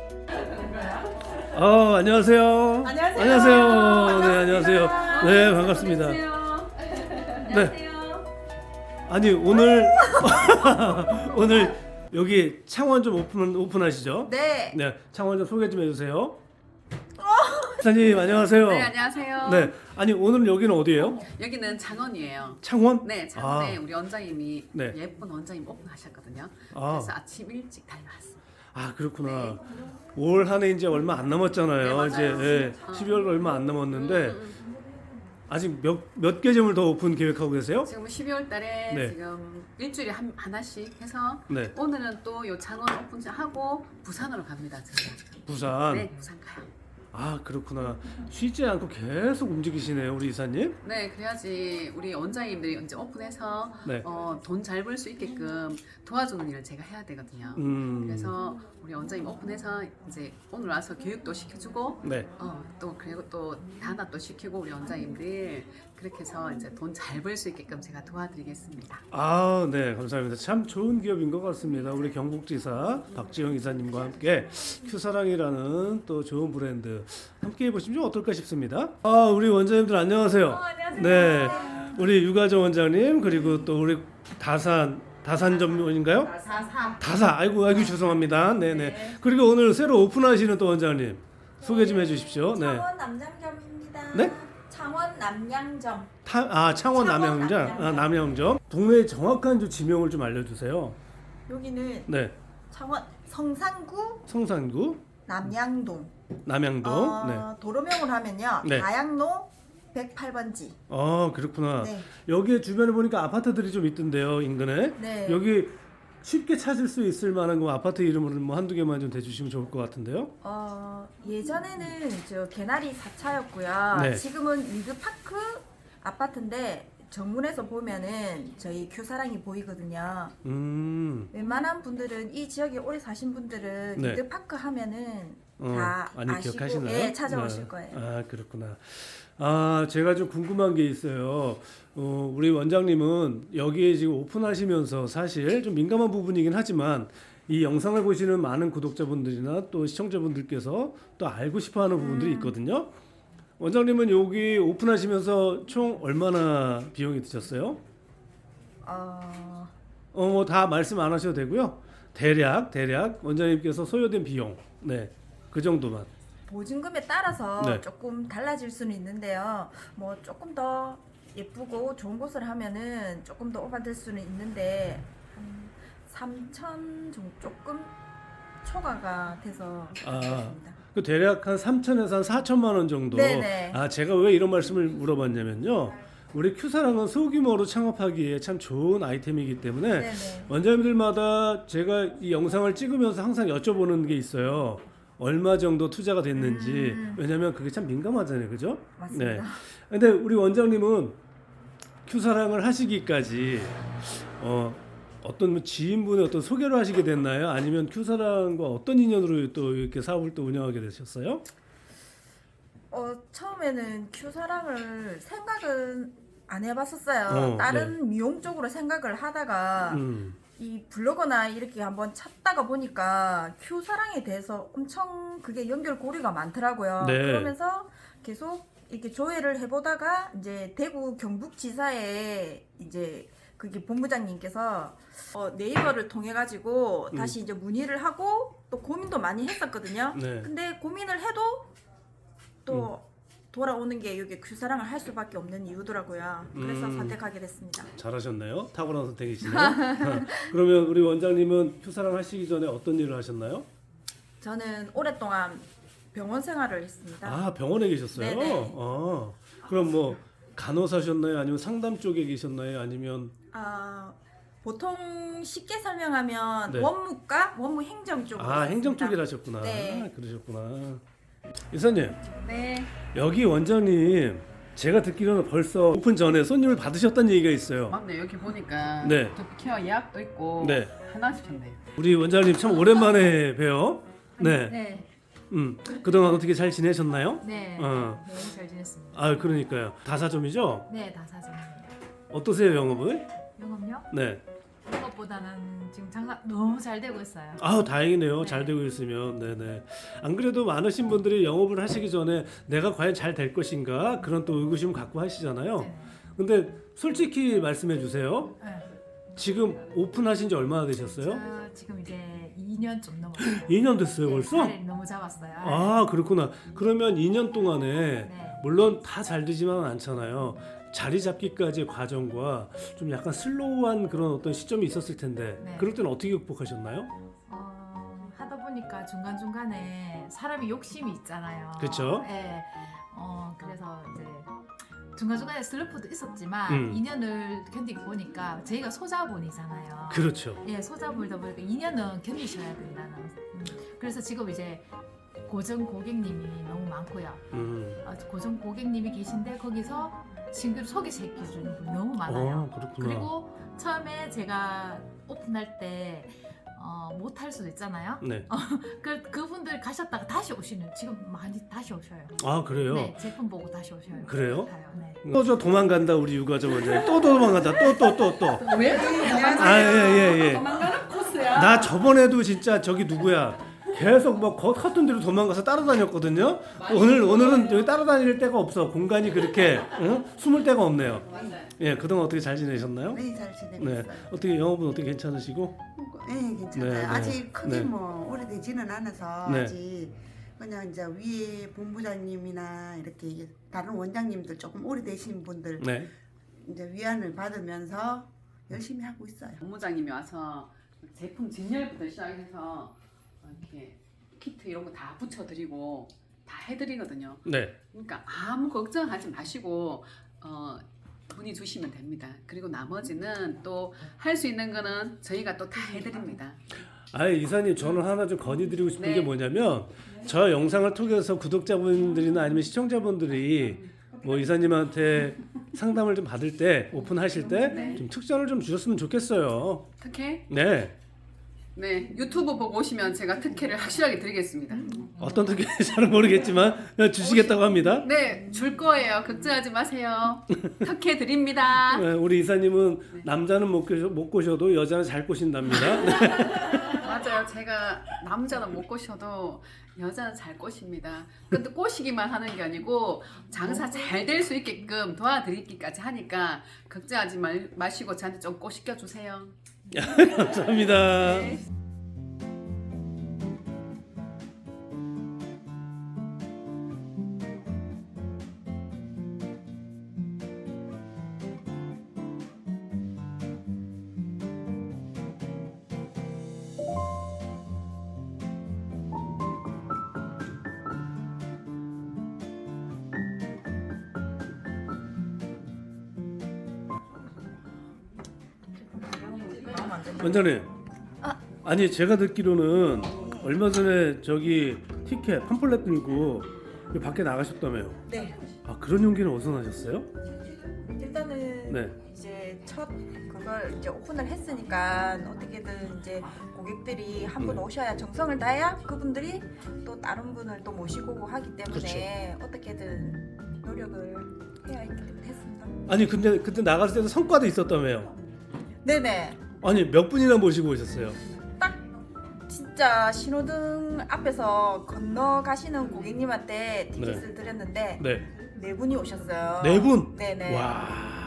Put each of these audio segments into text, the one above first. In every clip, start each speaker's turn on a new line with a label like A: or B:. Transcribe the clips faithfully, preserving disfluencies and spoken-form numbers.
A: 어, 안녕하세요.
B: 안녕하세요.
A: 안녕하세요. 네, 안녕하세요. 네, 반갑습니다.
C: 안녕하세요.
A: 아니, 오늘 오늘 여기 창원 좀 오픈 오픈하시죠?
B: 네.
A: 네, 창원 좀 소개 좀 해주세요. 사장님 안녕하세요.
C: 네, 안녕하세요.
A: 네, 아니 오늘 여기는 어디예요?
C: 여기는 창원이에요.
A: 창원?
C: 네, 창원에
A: 아.
C: 우리 원장님이
A: 네.
C: 예쁜 원장님 오픈하셨거든요.
A: 아.
C: 그래서 아침 일찍 달려왔어요.
A: 아 그렇구나. 올 한 해 이제 얼마 안 남았잖아요.
C: 네, 맞아요.
A: 이제 예,
C: 어.
A: 십이월 얼마 안 남았는데
C: 음, 음, 음.
A: 아직 몇 몇 개점을 더 오픈 계획하고 계세요?
C: 지금 십이월 달에
A: 네.
C: 지금 일주일에 한 하나씩 해서
A: 네.
C: 오늘은 또 요 창원 오픈하고 부산으로 갑니다. 제가.
A: 부산.
C: 네, 부산 가요.
A: 아 그렇구나. 쉬지 않고 계속 움직이시네요, 우리 이사님.
C: 네, 그래야지 우리 원장님들이 이제 오픈해서
A: 네.
C: 어, 돈 잘 벌 수 있게끔 도와주는 일을 제가 해야 되거든요.
A: 음.
C: 그래서 우리 원장님 오픈해서 이제 오늘 와서 교육도 시켜주고
A: 네.
C: 어, 또 그리고 또 단합도 시키고 우리 원장님들 그렇게 해서 이제 돈 잘 벌 수 있게끔 제가 도와드리겠습니다.
A: 아, 네, 감사합니다. 참 좋은 기업인 것 같습니다. 우리 경북지사 박지영 이사님과 함께 큐사랑이라는 또 좋은 브랜드 함께 해보시면 어떨까 싶습니다. 아, 우리 원장님들 안녕하세요.
B: 어, 안녕하세요.
A: 네, 우리 유가정 원장님 그리고 또 우리 다산 다산 전문인가요?
B: 사사.
A: 다사. 아이고, 아이고 죄송합니다. 네, 네. 그리고 오늘 새로 오픈하시는 또 원장님 소개 좀 해주십시오. 네.
B: 창원 남양점입니다.
A: 네?
B: 창원 남양점.
A: 타, 아 창원
B: 창원
A: 남양점,
B: 남양점.
A: 아, 남양점. 동네 정확한 좀 지명을 좀 알려주세요.
B: 여기는
A: 네,
B: 창원 성산구
A: 성산구,
B: 남양동.
A: 남양동.
B: 어,
A: 네.
B: 도로명을 하면요.
A: 네.
B: 다양로 백팔 번지.
A: 어 그렇구나.
B: 네.
A: 여기 주변에 보니까 아파트들이 좀 있던데요, 인근에.
B: 네.
A: 여기 쉽게 찾을 수 있을 만한 거 아파트 이름을 뭐 한두 개만 좀 대주시면 좋을 것 같은데요.
B: 어, 예전에는 저 개나리 사 차였고요.
A: 네.
B: 지금은 리드파크 아파트인데 정문에서 보면은 저희 큐사랑이 보이거든요.
A: 음,
B: 웬만한 분들은 이 지역에 오래 사신 분들은
A: 네.
B: 리드파크 하면은
A: 어,
B: 다
A: 많이
B: 아시고
A: 기억하시나요?
B: 예, 찾아오실
A: 네.
B: 거예요.
A: 아 그렇구나. 아 제가 좀 궁금한 게 있어요. 어, 우리 원장님은 여기에 지금 오픈하시면서 사실 좀 민감한 부분이긴 하지만 이 영상을 보시는 많은 구독자분들이나 또 시청자분들께서 또 알고 싶어하는 부분들이 있거든요. 원장님은 여기 오픈하시면서 총 얼마나 비용이 드셨어요?
B: 어,
A: 어, 뭐 다 말씀 안 하셔도 되고요. 대략 대략 원장님께서 소요된 비용, 네, 그 정도만.
B: 보증금에 따라서
A: 네.
B: 조금 달라질 수는 있는데요. 뭐 조금 더 예쁘고 좋은 곳을 하면은 조금 더 오바될 수는 있는데 한 삼천 정도 조금 초과가 돼서
A: 아.
B: 그렇습니다.
A: 그 대략 한 삼천에서 한 사천만 원 정도.
B: 네네.
A: 아 제가 왜 이런 말씀을 물어봤냐면요. 우리 큐사랑은 소규모로 창업하기에 참 좋은 아이템이기 때문에
B: 네네.
A: 원장님들마다 제가 이 영상을 찍으면서 항상 여쭤보는 게 있어요. 얼마 정도 투자가 됐는지.
B: 음.
A: 왜냐면 그게 참 민감하잖아요, 그죠?
B: 맞습니다.
A: 네. 근데 우리 원장님은 큐사랑을 하시기까지 어. 어떤 뭐 지인분의 어떤 소개로 하시게 됐나요? 아니면 큐사랑과 어떤 인연으로 또 이렇게 사업을 또 운영하게 되셨어요?
B: 어 처음에는 큐사랑을 생각은 안 해봤었어요.
A: 어,
B: 다른 미용 쪽으로 생각을 하다가
A: 음,
B: 이 블로거나 이렇게 한번 찾다가 보니까 큐사랑에 대해서 엄청 그게 연결고리가 많더라고요.
A: 네.
B: 그러면서 계속 이렇게 조회를 해보다가 이제 대구 경북지사에 이제 그게 본부장님께서 어, 네이버를 통해 가지고
A: 음.
B: 다시 이제 문의를 하고 또 고민도 많이 했었거든요.
A: 네.
B: 근데 고민을 해도 또 돌아오는 게 여기 큐사랑을 할 수밖에 없는 이유더라고요. 그래서
A: 음.
B: 선택하게 됐습니다.
A: 잘하셨네요. 탁월한 선택이시네요. 그러면 우리 원장님은 큐사랑 하시기 전에 어떤 일을 하셨나요?
B: 저는 오랫동안 병원 생활을 했습니다.
A: 아 병원에 계셨어요?
B: 네네.
A: 아, 그럼 뭐 간호사셨나요? 아니면 상담 쪽에 계셨나요? 아니면
B: 아, 보통 쉽게 설명하면
A: 네.
B: 원무과, 원무 행정 쪽으로
A: 아 행정
B: 했습니다.
A: 쪽에 하셨구나.
B: 네.
A: 아, 그러셨구나. 이사님
C: 네.
A: 여기 원장님 제가 듣기로는 벌써 오픈 전에 손님을 받으셨다는 얘기가 있어요.
C: 맞네. 여기 보니까
A: 네.
C: 두피케어 예약도 있고
A: 네.
C: 하나씩 줬네요.
A: 우리 원장님 참 오랜만에 봬요. 네.
D: 네,
A: 음 그동안 어떻게 잘 지내셨나요?
D: 네,
A: 어.
D: 네, 잘 지냈습니다.
A: 아 그러니까요. 다사점이죠?
D: 네, 다 사정입니다.
A: 어떠세요 영업은?
D: 영업요?
A: 네.
D: 영업 것보다는 지금 장사 너무 잘 되고 있어요.
A: 아, 다행이네요.
D: 네.
A: 잘 되고 있으면. 네네. 안 그래도 많으신 분들이 영업을 하시기 전에 내가 과연 잘 될 것인가 그런 또 의구심 갖고 하시잖아요.
D: 네.
A: 근데 솔직히 말씀해 주세요.
D: 네.
A: 지금 오픈하신 지 얼마나 되셨어요?
D: 저 지금 이제 이 년 좀 넘었어요.
A: 이 년 됐어요,
D: 네,
A: 벌써?
D: 자리를 너무 잡았어요.
A: 아, 그렇구나. 그러면 이 년 동안에
D: 네.
A: 물론 다 잘 되지만 않잖아요. 자리 잡기까지의 과정과 좀 약간 슬로우한 그런 어떤 시점이 있었을 텐데
D: 네.
A: 그럴 때는 어떻게 극복하셨나요?
D: 어, 하다 보니까 중간 중간에 사람이 욕심이 있잖아요.
A: 그쵸?
D: 네. 어 그래서 이제 중간 중간에 슬럼프도 있었지만
A: 음.
D: 이 년을 견디고 보니까 저희가 소자본이잖아요.
A: 그렇죠.
D: 예, 소자본이다 보니까 이 년은 견디셔야 된다는. 음, 그래서 지금 이제 고정 고객님이 너무 많고요.
A: 음.
D: 어, 고정 고객님이 계신데 거기서 신규 소개시켜 주는 분이 너무 많아요.
A: 어, 그렇구나.
D: 그리고 처음에 제가 오픈할 때 어, 못할 수도 있잖아요.
A: 네.
D: 그 그분들 가셨다가 다시 오시는 지금 많이 다시 오셔요.
A: 아, 그래요?
D: 네, 제품 보고 다시 오셔요.
A: 그래요?
D: 같아요. 네.
A: 또 저 도망간다 우리 유가정 원장님. 또 도망간다. 또 또 또 또.
E: 왜
A: 아, 예, 예, 예.
E: 도망가는 코스야.
A: 나 저번에도 진짜 저기 누구야 계속 뭐 거 같은 데로 도망가서 따라다녔거든요. 오늘 오늘은 여기 따라다닐 데가 없어. 공간이 그렇게 응? 숨을 데가 없네요. 예, 그동안 어떻게 잘 지내셨나요?
F: 네, 잘 지내고
A: 네,
F: 있어요.
A: 어떻게 영업은 어떻게 괜찮으시고?
F: 네, 괜찮아요.
A: 네, 네.
F: 아직 크게
A: 네.
F: 뭐 오래되지는 않아서
A: 네.
F: 아직 그냥 이제 위에 본부장님이나 이렇게 다른 원장님들 조금 오래되신 분들
A: 네,
F: 이제 위안을 받으면서 열심히 하고 있어요.
C: 본부장님이 와서 제품 진열부터 시작해서 이렇게 키트 이런 거 다 붙여드리고 다 해드리거든요.
A: 네.
C: 그러니까 아무 걱정하지 마시고 어, 문의 주시면 됩니다. 그리고 나머지는 또 할 수 있는 거는 저희가 또 다 해드립니다.
A: 아, 이사님 저는 하나 좀 건의드리고 싶은
C: 네.
A: 게 뭐냐면 저 영상을 통해서 구독자분들이나 아니면 시청자분들이 뭐 이사님한테 상담을 좀 받을 때 오픈하실 때 좀
C: 네.
A: 특전을 좀 주셨으면 좋겠어요.
C: 특혜?
A: 네.
C: 네, 유튜브 보고 오시면 제가 특혜를 확실하게 드리겠습니다.
A: 어떤 특혜인지 잘은 모르겠지만 그냥 주시겠다고 합니다.
C: 네, 줄 거예요. 걱정하지 마세요. 특혜 드립니다.
A: 네, 우리 이사님은 남자는 못, 꼬셔, 못 꼬셔도 여자는 잘 꼬신답니다. 네.
C: 맞아요. 제가 남자는 못 꼬셔도 여자는 잘 꼬십니다. 근데 꼬시기만 하는 게 아니고 장사 잘 될 수 있게끔 도와드리기까지 하니까 걱정하지 말, 마시고 저한테 좀 꼬시켜 주세요.
A: 감사합니다.
C: 네.
A: 원장님. 아니 제가 듣기로는 얼마 전에 저기 티켓 팜플렛 들고 여기 밖에 나가셨다며요.
B: 네.
A: 아, 그런 용기는 어디서 나셨어요?
B: 일단은
A: 네.
B: 이제 첫 그걸 이제 오픈을 했으니까 어떻게든 이제 고객들이 한 분
A: 네.
B: 오셔야 정성을 다해야 그분들이 또 다른 분을 또 모시고 하기 때문에 어떻게든 노력을 해야 했기 때문에 했습니다.
A: 아니 근데 그때 나갔을 때도 성과도 있었다며요.
B: 네네.
A: 아니 몇 분이나 모시고 오셨어요?
B: 딱 진짜 신호등 앞에서 건너가시는 고객님한테 티켓을 드렸는데
A: 네.
B: 네 분이 오셨어요.
A: 네 분?
B: 네네.
A: 와.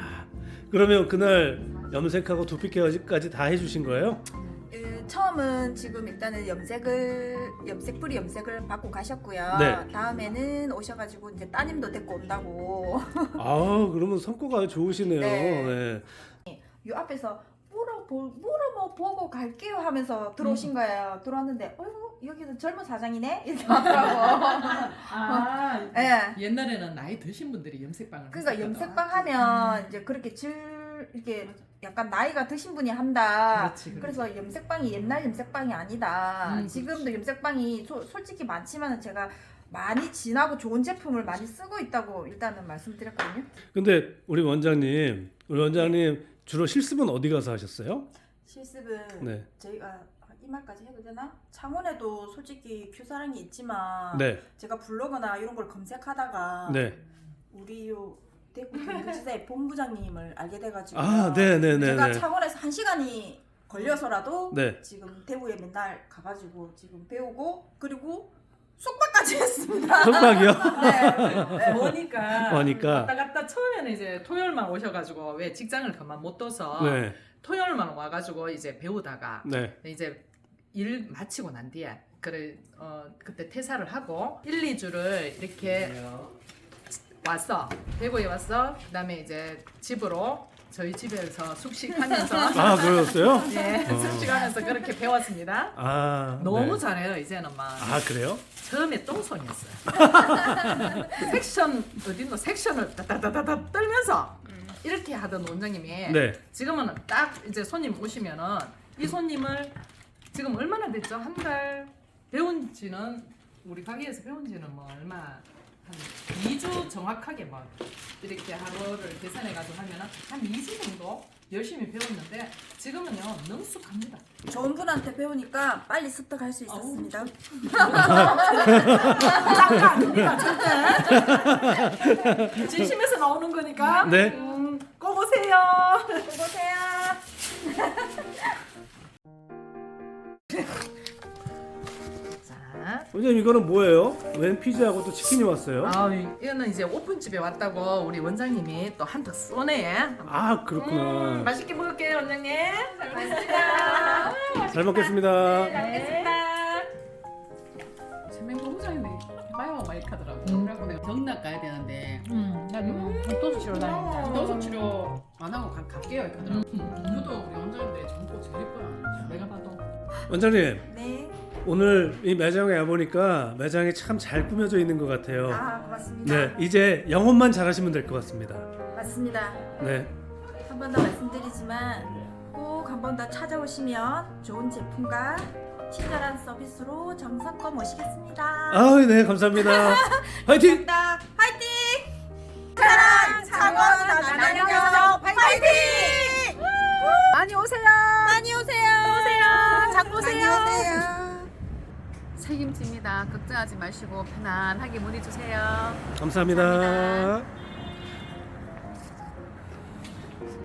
A: 그러면 그날 염색하고 두피 케어까지 다 해주신 거예요?
B: 그 처음은 지금 일단은 염색을 염색 뿌리 염색을 받고 가셨고요.
A: 네.
B: 다음에는 오셔가지고 이제 따님도 데리고 온다고.
A: 아, 그러면 성과가 좋으시네요.
B: 네.
A: 네.
B: 요 앞에서 물어보 물어뭐 보고 갈게요 하면서 들어오신 거예요. 들어왔는데 어이구 여기는 젊은 사장이네 이렇게 하더라고.
E: 아,
B: 예.
E: 옛날에는 나이 드신 분들이 염색방을
B: 그러니까
E: 했었거든.
B: 염색방 하면 이제 그렇게 질 이렇게 약간 나이가 드신 분이 한다.
E: 그렇지, 그렇지.
B: 그래서 염색방이 옛날 염색방이 아니다.
E: 음,
B: 지금도
E: 그렇지.
B: 염색방이 소, 솔직히 많지만 제가 많이 진하고 좋은 제품을 많이 쓰고 있다고 일단은 말씀드렸거든요.
A: 근데 우리 원장님, 우리 원장님 주로 실습은 어디 가서 하셨어요?
B: 실습은
A: 네.
B: 저희가 이 말까지 해도 되나? 창원에도 솔직히 큐사랑이 있지만
A: 네.
B: 제가 블로그나 이런 걸 검색하다가
A: 네.
B: 우리 요 대구 경기지사의 본부장님을 알게 돼가지고
A: 아, 네, 네, 네,
B: 제가
A: 네.
B: 창원에서 한 시간이 걸려서라도
A: 네.
B: 지금 대구에 맨날 가가지고 지금 배우고 그리고 숙박까지 했습니다.
A: 속박이요?
B: 네.
E: 뭐니까
A: 뭐니까.
E: 왔다 갔다 처음에는 이제 토요일만 오셔가지고 왜 직장을 그만 못 둬서
A: 네.
E: 토요일만 와가지고 이제 배우다가
A: 네.
E: 이제 일 마치고 난 뒤에 그래 어 그때 퇴사를 하고 일, 이 주를 이렇게 왔어. 대구에 왔어. 그다음에 이제 집으로 저희 집에서 숙식하면서
A: 아, 그러셨어요?
E: 예,
A: 어.
E: 숙식하면서 그렇게 배웠습니다.
A: 아.
E: 너무
A: 네.
E: 잘해요 이제는 막.
A: 아, 그래요?
E: 처음에 똥손이었어요. 섹션 어딘가 섹션을 따다다다다 떨면서 이렇게 하던 원장님이
A: 네.
E: 지금은 딱 이제 손님 오시면은 이 손님을 지금 얼마나 됐죠? 한 달 배운 지는 우리 가게에서 배운 지는 뭐 얼마 한 이 주 정확하게 막 이렇게 하루를 계산해 가지고 하면은 한 이 주 정도 열심히 배웠는데 지금은요 능숙합니다.
B: 좋은 분한테 배우니까 빨리 습득할 수 있었습니다.
E: 짱가 아닙니다 절대. 진심에서 나오는 거니까.
A: 네.
E: 음, 꼭 오세요.
B: 보세요.
E: 자,
A: 원장님 이거는 뭐예요? 웬 피자하고 또 치킨이 왔어요?
E: 아 이거는 이제 오픈집에 왔다고 우리 원장님이 또 한턱 쏘네.
A: 아, 그렇구나.
E: 음, 맛있게 먹을게요 원장님. 잘 먹겠습니다.
A: 잘 먹겠습니다.
E: 네.
C: 재맹 본부장인데 해봐요 막 이렇게 하더라고.
E: 음.
C: 그래갖고 내가 경락 가야 되는데
D: 음, 나 지금 도수 치러 다닙니다.
C: 도수 치료 안 하고 가, 갈게요 이렇게 하더라고.
E: 음.
C: 유도 우리 원장인데 젊고 제일 예뻐요.
E: 내가 봐도.
A: 원장님,
B: 네.
A: 오늘 이 매장에 와보니까 매장이 참 잘 꾸며져 있는 것 같아요.
B: 아 고맙습니다.
A: 네, 이제 영업만 잘하시면 될 것 같습니다.
B: 맞습니다.
A: 네.
B: 한 번 더 말씀드리지만 꼭 한 번 더 찾아오시면 좋은 제품과 친절한 서비스로 정성껏 모시겠습니다.
A: 아, 네, 감사합니다. 화이팅!
B: 감사합니다. 화이팅! 사랑 창원 남양에서 화이팅!
C: 많이 오세요.
B: 많이 오세요. 오세요. 장 보세요. 많이 오세요.
C: 책임집니다. 걱정하지 마시고 편안하게 문의 주세요.
A: 감사합니다.